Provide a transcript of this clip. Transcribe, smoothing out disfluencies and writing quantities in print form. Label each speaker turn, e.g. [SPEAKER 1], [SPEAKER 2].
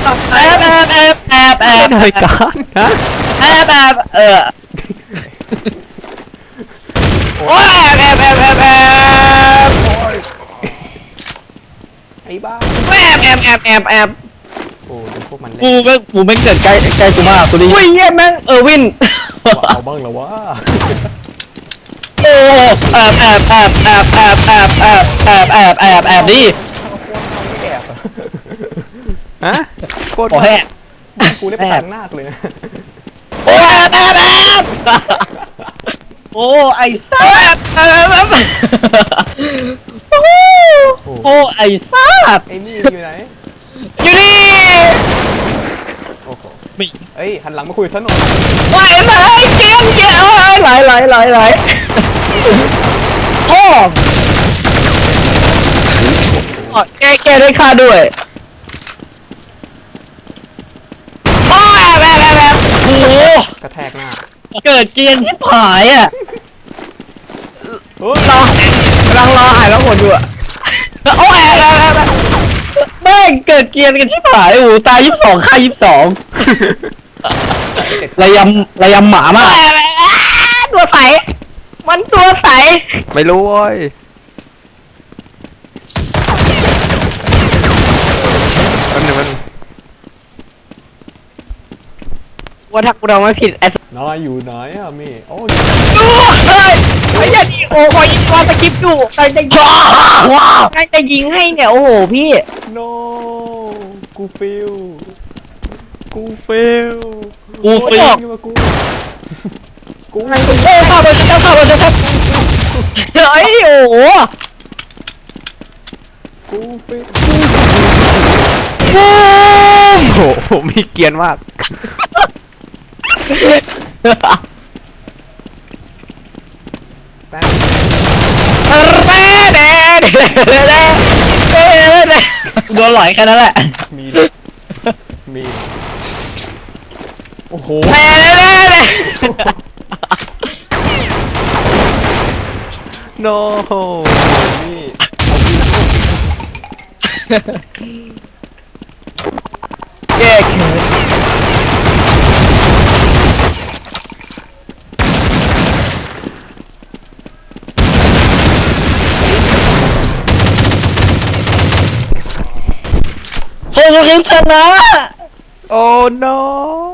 [SPEAKER 1] หน่อยก่อนนะ
[SPEAKER 2] โอ้ย
[SPEAKER 1] ไอ้บ้า โอ้ดูพวกมันเล่น
[SPEAKER 2] กูไม่เกิดใกล้กูมากกูดิอุ้ยเยี่ยแม่งวิน
[SPEAKER 1] ว่าเอาบ้างเหรอวะ
[SPEAKER 2] โอ้แอบดิ
[SPEAKER 1] ฮะโคตร
[SPEAKER 2] โอ้แหก
[SPEAKER 1] กูได้ประจันหน้าเลยนะ
[SPEAKER 2] โอ้โอ้ไอ้ซ่าโอ้ไอ้ซ่า
[SPEAKER 1] ไอ้นี่อยู่ไหน
[SPEAKER 2] อยู่นี่
[SPEAKER 1] โอ้โห
[SPEAKER 2] มี
[SPEAKER 1] เอ้ยหันหลังมาคุยกับฉันหน่อย
[SPEAKER 2] ไหลเกี้ยไหลโอ้แกได้ค่าด้วยโอ้โห
[SPEAKER 1] กระแทกหน้า
[SPEAKER 2] เกิดเกียนชิบหายอ่ะ
[SPEAKER 1] เฮ้ย
[SPEAKER 2] กำลังรอหายแล้วหมดอยู่อ่ะโอ้แม่งเกิดเกียนกันชิบหายโอ้ตาย22ฆ่า22ระยำหมามากตัวใสมันตัวใส
[SPEAKER 1] ไม่รู้เว้ยมัน
[SPEAKER 2] ว่าถ้ากูเราไม่ผิดไอ้
[SPEAKER 1] นายอยู่ไหนอะมี่โอ้
[SPEAKER 2] เฮ้ยไอ้ยันโอ้คอยยิงว่าสกิปอยู่ใครจะยิงใครจะยิงให้เนี่ยโอ้โหพี่
[SPEAKER 1] โนกูฟิล
[SPEAKER 2] กู
[SPEAKER 1] กู
[SPEAKER 2] โอ้ข้าวบนจะเฮ้ยโอ้โห
[SPEAKER 1] กูฟิล
[SPEAKER 2] บูม
[SPEAKER 1] โอ้โหมีเกียร์มากแป๊บ
[SPEAKER 2] โดนหลอยแค่นั้นแหละ
[SPEAKER 1] มีโอ้โหโนนี่
[SPEAKER 2] แก้เขินโอ้ยชนะ
[SPEAKER 1] โอ้โน